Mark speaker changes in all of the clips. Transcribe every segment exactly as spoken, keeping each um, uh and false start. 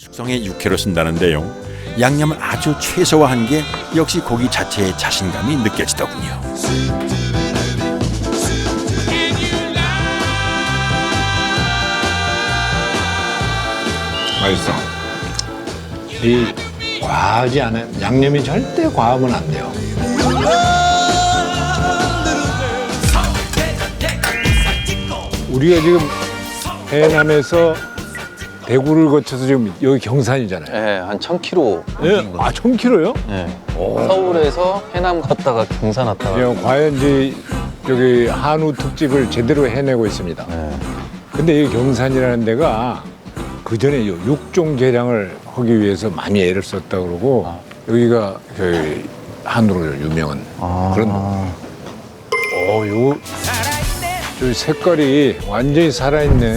Speaker 1: 숙성의 육회로 쓴다는데요. 양념을 아주 최소화한 게 역시 고기 자체의 자신감이 느껴지더군요.
Speaker 2: 맛있어. 이 과하지 않은 양념이 절대 과하면 안 돼요. 우리가 지금 해남에서 대구를 거쳐서 지금 여기 경산이잖아요.
Speaker 3: 네, 한 천 킬로미터.
Speaker 2: 예? 아, 천 킬로요?
Speaker 3: 네. 서울에서 해남 갔다가 경산 왔다가.
Speaker 2: 예, 과연 이제 저기 한우 특집을 제대로 해내고 있습니다.
Speaker 3: 네.
Speaker 2: 근데 이 경산이라는 데가 그 전에 육종 개량을 하기 위해서 많이 애를 썼다 그러고
Speaker 3: 아.
Speaker 2: 여기가 저희 한우로 유명한
Speaker 3: 아.
Speaker 2: 그런. 어, 요, 저 색깔이 완전히 살아있네.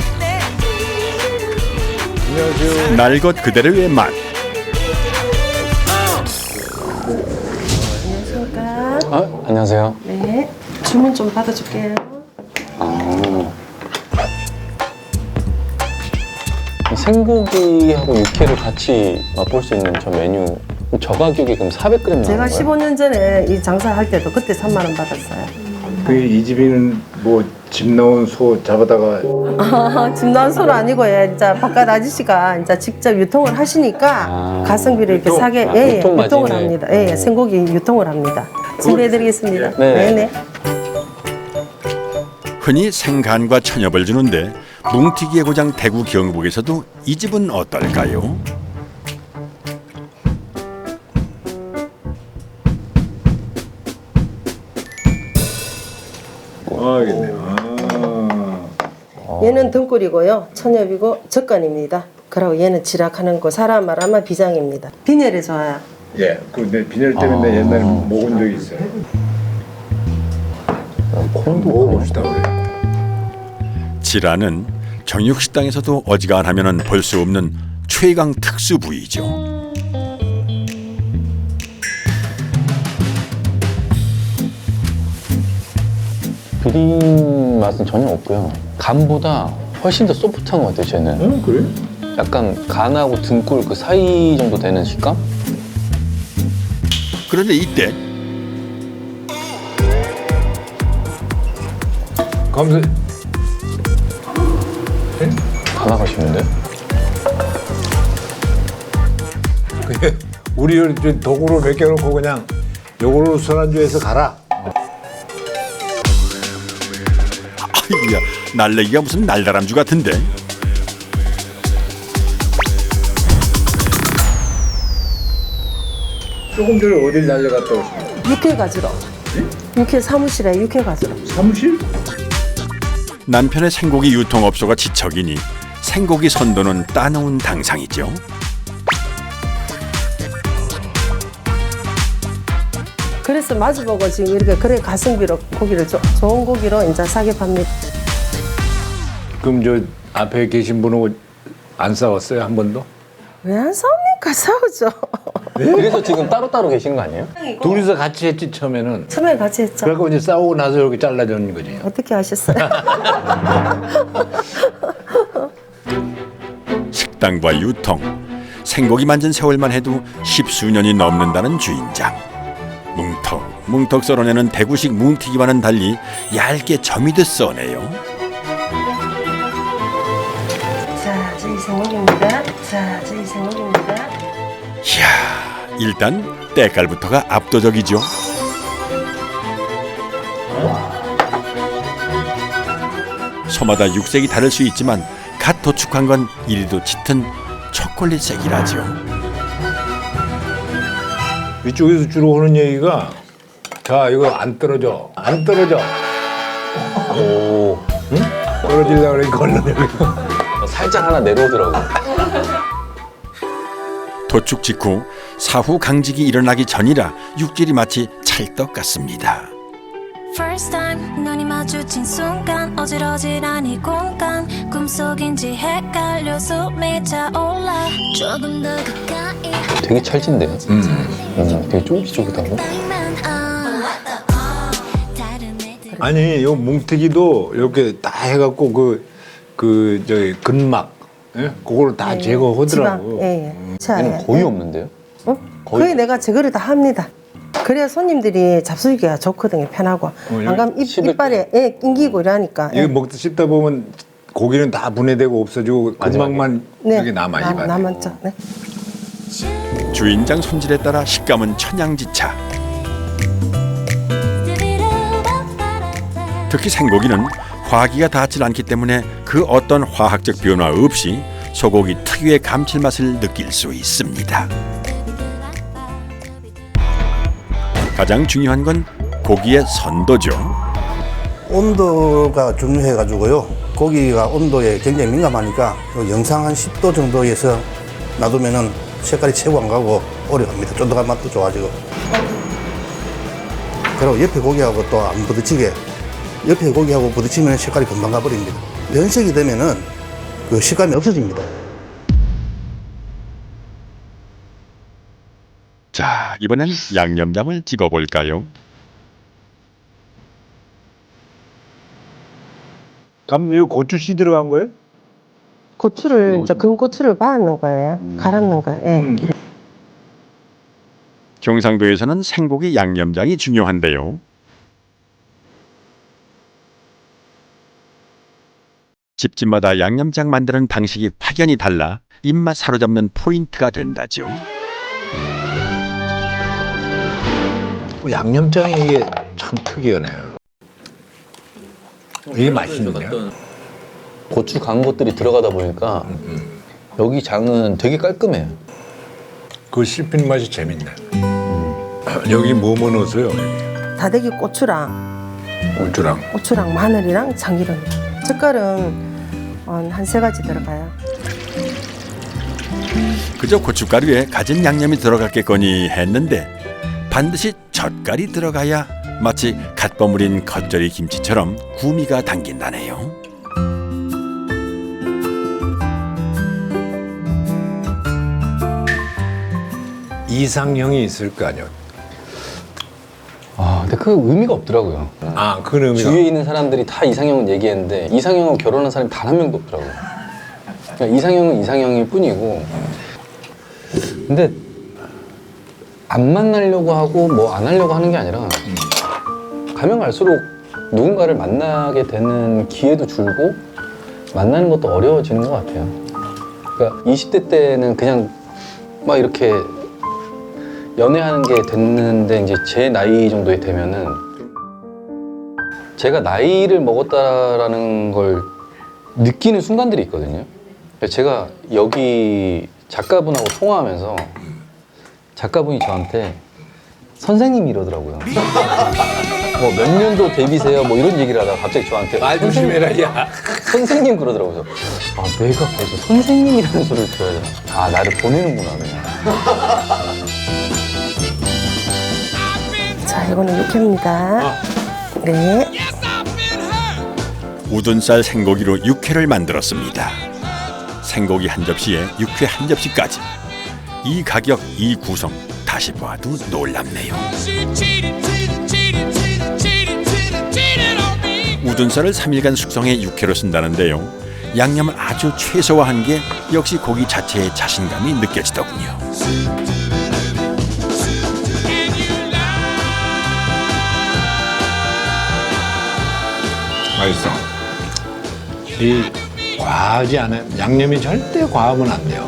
Speaker 2: 안녕하세요.
Speaker 1: 날 것 그대로의 맛.
Speaker 4: 안녕하십니까.
Speaker 3: 아, 안녕하세요.
Speaker 4: 네. 주문 좀 받아줄게요.
Speaker 3: 아. 생고기하고 육회를 같이 맛볼 수 있는 저 메뉴. 저 가격이 그럼 사백 그램 나온
Speaker 4: 제가
Speaker 3: 거예요?
Speaker 4: 십오 년 전에 이 장사할 때도 그때 삼만 원 받았어요.
Speaker 2: 그 이 집이는 뭐 집 나온 소 잡아다가
Speaker 4: 집 나온 소는 아니고 예, 이제 바깥 아저씨가 이제 직접 유통을 하시니까
Speaker 3: 아.
Speaker 4: 가성비를 이렇게
Speaker 2: 유통?
Speaker 4: 사게
Speaker 3: 아,
Speaker 4: 예, 예,
Speaker 3: 유통
Speaker 4: 유통을
Speaker 3: 마진을.
Speaker 4: 합니다. 예, 예,
Speaker 3: 음.
Speaker 4: 생고기 유통을 합니다. 준비해드리겠습니다.
Speaker 3: 네.
Speaker 4: 네네.
Speaker 1: 흔히 생간과 천엽을 주는데 뭉티기의 고장 대구 경북에서도 이 집은 어떨까요?
Speaker 2: 알겠네요.
Speaker 4: 얘는 등골이고요. 천엽이고 젓간입니다. 그리고 얘는 지락하는 거 사람 말하면 비장입니다. 빈혈에 좋아요.
Speaker 2: 예, 근데 빈혈 때문에
Speaker 3: 아.
Speaker 2: 옛날에 먹은 적이 있어요.
Speaker 3: 콩도
Speaker 2: 먹어봅시다 우리.
Speaker 1: 지라는 정육식당에서도 어지간하면 볼 수 없는 최강 특수 부위죠.
Speaker 3: 비린 맛은 전혀 없고요. 간보다 훨씬 더 소프트한 것 같아요, 쟤는.
Speaker 2: 어, 그래?
Speaker 3: 약간 간하고 등골 그 사이 정도 되는 식감?
Speaker 1: 그런데 이때
Speaker 2: 감사.
Speaker 3: 다 나가시는데?
Speaker 2: 그게 우리 여기 도구로 맡겨놓고 그냥 요걸로 술안주해서 가라.
Speaker 1: 아이고야 날래기가 무슨 날다람쥐 같은데.
Speaker 2: 조금 전에 어딜 날려갔다 오십니까?
Speaker 4: 육회 가지러. 육회 사무실에 육회 가지러.
Speaker 2: 사무실?
Speaker 1: 남편의 생고기 유통업소가 지척이니 생고기 선도는 따놓은 당상이죠.
Speaker 4: 그래서 마주보고 지금 이렇게 그래 가성비로 고기를 조, 좋은 고기로 이제 사게 팝니다.
Speaker 2: 그럼 저 앞에 계신 분하고 안 싸웠어요 한 번도?
Speaker 4: 왜 안 싸웁니까? 싸우죠.
Speaker 3: 그래서 지금 따로따로 계신 거 아니에요?
Speaker 2: 둘이서 같이 했지 처음에는.
Speaker 4: 처음에 같이 했죠.
Speaker 2: 그래갖고 이제 싸우고 나서 이렇게 잘라주는 거지.
Speaker 4: 어떻게 하셨어요?
Speaker 1: 식당과 유통, 생고기 만진 세월만 해도 십수년이 넘는다는 주인장. 뭉턱 뭉턱 썰어내는 대구식 뭉티기와는 달리 얇게 점이듯 써내요.
Speaker 4: 자, 저기 생고기입니다. 자, 저기 생고기입니다.
Speaker 1: 이야, 일단 때깔부터가 압도적이죠. 소마다 육색이 다를 수 있지만 갓 도축한 건 이리도 짙은 초콜릿색이라죠.
Speaker 2: 이쪽에서 주로 하는 얘기가 자 이거 안 떨어져 안 떨어져
Speaker 3: 오.
Speaker 2: 떨어지려고 그러니까 얼른 여기
Speaker 3: 어, 살짝 하나 내려오더라고요.
Speaker 1: 도축 직후 사후 강직이 일어나기 전이라 육질이 마치 찰떡 같습니다.
Speaker 5: First time 눈이 마주친 순간 어질어질한 이 공간 꿈속인지 헷갈려 숨이 차올라 조금 더 가까이
Speaker 3: 되게 찰진데요? 음. 음, 되게 쫄깃쫄깃하고.
Speaker 5: 다른 애들
Speaker 2: 아니 요 뭉태기도 이렇게 다 해갖고 그 그 저기 근막 예? 그거를 다 제거하더라고.
Speaker 4: 지방, 예, 예. 자,
Speaker 3: 얘는
Speaker 4: 예.
Speaker 3: 거의 없는데요?
Speaker 4: 어? 거의, 내가 제거를 다 합니다. 그래야 손님들이 잡수기가 좋거든요. 편하고.
Speaker 2: 여기
Speaker 4: 안 가면 입,
Speaker 3: 씹을
Speaker 4: 이빨에 예, 낑기고 이러니까.
Speaker 2: 이거 먹다 씹다 보면 고기는 다 분해되고 없어지고 금방만
Speaker 4: 네,
Speaker 2: 여기 남아
Speaker 4: 남-
Speaker 2: 입안에.
Speaker 4: 남았죠. 네.
Speaker 1: 주인장 손질에 따라 식감은 천양지차. 특히 생고기는 화기가 닿지 않기 때문에 그 어떤 화학적 변화 없이 소고기 특유의 감칠맛을 느낄 수 있습니다. 가장 중요한 건 고기의 선도죠.
Speaker 6: 온도가 중요해가지고요. 고기가 온도에 굉장히 민감하니까 요 영상 한 십 도 정도에서 놔두면은 색깔이 채고 안 가고 오래 갑니다. 쫀득한 맛도 좋아지고. 그리고 옆에 고기하고 또 안 부딪히게, 옆에 고기하고 부딪히면 색깔이 금방 가버립니다. 면색이 되면은 그 식감이 없어집니다.
Speaker 1: 자, 이번엔 양념장을 집어볼까요?
Speaker 2: 그럼 이거 고추씨 들어간 거예요?
Speaker 4: 고추를 이제 금고추를 빻는 거예요. 갈았는 거예요. 예.
Speaker 2: 음.
Speaker 1: 경상도에서는 생고기 양념장이 중요한데요. 집집마다 양념장 만드는 방식이 확연히 달라 입맛 사로잡는 포인트가 된다죠.
Speaker 2: 뭐 양념장이 이게 참 특이하네요. 이게 맛있는데요?
Speaker 3: 고추 간 것들이 들어가다 보니까 여기 장은 되게 깔끔해요.
Speaker 2: 그 씹히는 맛이 재밌네. 여기 뭐뭐 넣었어요?
Speaker 4: 다대기 고추랑
Speaker 2: 고추랑.
Speaker 4: 고추랑 마늘이랑 참기름. 젓갈은 한 세 가지 들어가요.
Speaker 1: 그저 고춧가루에 가진 양념이 들어갔겠거니 했는데 반드시 젓갈이 들어가야 마치 갓 버무린 겉절이 김치처럼 구미가 당긴다네요.
Speaker 2: 이상형이 있을 거 아니에요?
Speaker 3: 아, 근데 그 의미가 없더라고요.
Speaker 2: 아, 그 의미가.
Speaker 3: 주위에 있는 사람들이 다 이상형은 얘기했는데 이상형하고 결혼한 사람이 단 한 명도 없더라고요. 그러니까 이상형은 이상형일 뿐이고. 근데 안 만나려고 하고 뭐 안 하려고 하는 게 아니라 가면 갈수록 누군가를 만나게 되는 기회도 줄고 만나는 것도 어려워지는 것 같아요. 그러니까 이십 대 때는 그냥 막 이렇게 연애하는 게 됐는데 이제 제 나이 정도에 되면은 제가 나이를 먹었다라는 걸 느끼는 순간들이 있거든요. 제가 여기 작가분하고 통화하면서 작가분이 저한테 선생님 이러더라고요. 뭐 몇 년도 데뷔세요? 뭐 이런 얘기를 하다가 갑자기 저한테
Speaker 2: 말 조심해라, 야.
Speaker 3: 선생님 그러더라고요. 아, 내가 벌써 선생님이라는 소리를 들어야 되나? 아, 나를 보내는구나, 그냥.
Speaker 4: 자, 이거는 육회입니다. 네.
Speaker 1: 우둔살 생고기로 육회를 만들었습니다. 생고기 한 접시에 육회 한 접시까지. 이 가격, 이 구성 다시 봐도 놀랍네요. 우둔살을 삼 일간 숙성해 육회로 쓴다는데요. 양념을 아주 최소화한 게 역시 고기 자체의 자신감이 느껴지더군요.
Speaker 2: 맛있어. 이 과하지 않아요. 양념이 절대 과하면 안 돼요.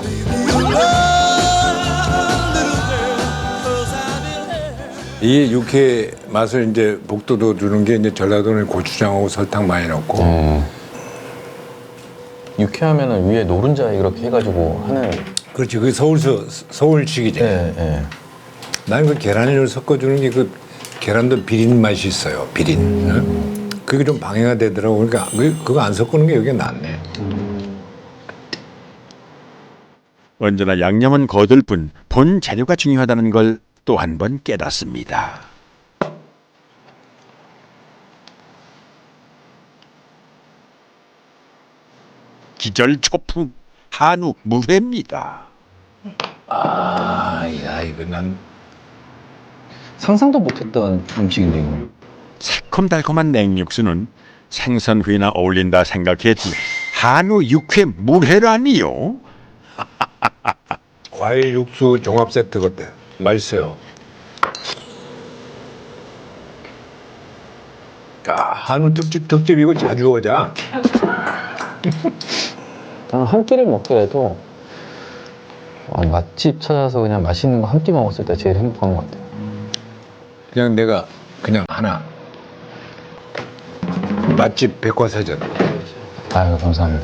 Speaker 2: 이 육회 맛을 이제 복도도 주는 게 이제 전라도는 고추장하고 설탕 많이 넣고.
Speaker 3: 음. 유쾌하면은 위에 노른자 이렇게 해가지고 하는.
Speaker 2: 그렇지, 그 서울 서울식이지.
Speaker 3: 예, 예.
Speaker 2: 나는 그 계란을 섞어주는 게 그 계란도 비린 맛이 있어요. 비린. 응? 그게 좀 방해가 되더라고. 그러니까 그- 그거 안 섞는 게 여기 낫네.
Speaker 1: 언제나 양념은 거들 뿐 본 재료가 중요하다는 걸 또 한 번 깨닫습니다. 기절초풍 한우 무회입니다.
Speaker 2: 아, 야, 이거 난
Speaker 3: 상상도 못했던 음식인데, 이거.
Speaker 1: 새콤달콤한 냉육수는 생선회나 어울린다 생각했지 한우 육회 물회라니요?
Speaker 2: 과일 육수 종합 세트 같대. 맛있어요. 야, 한우 특집 특집 이거 자주 오자.
Speaker 3: 나는 한 끼를 먹더라도 어, 맛집 찾아서 그냥 맛있는 거 한 끼 먹었을 때 제일 행복한 것 같아요.
Speaker 2: 그냥 내가 그냥 하나. 맛집 백과사전.
Speaker 3: 아유, 감사합니다.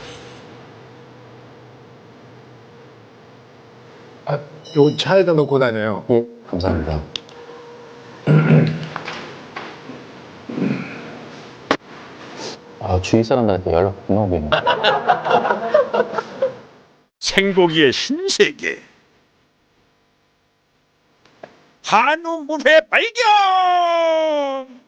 Speaker 2: 아, 요 차에다 놓고 다녀요.
Speaker 3: 예, 감사합니다. 아, 주위 사람들한테 연락 못 오겠네.
Speaker 1: 생고기의 신세계. 한우 물회 발견!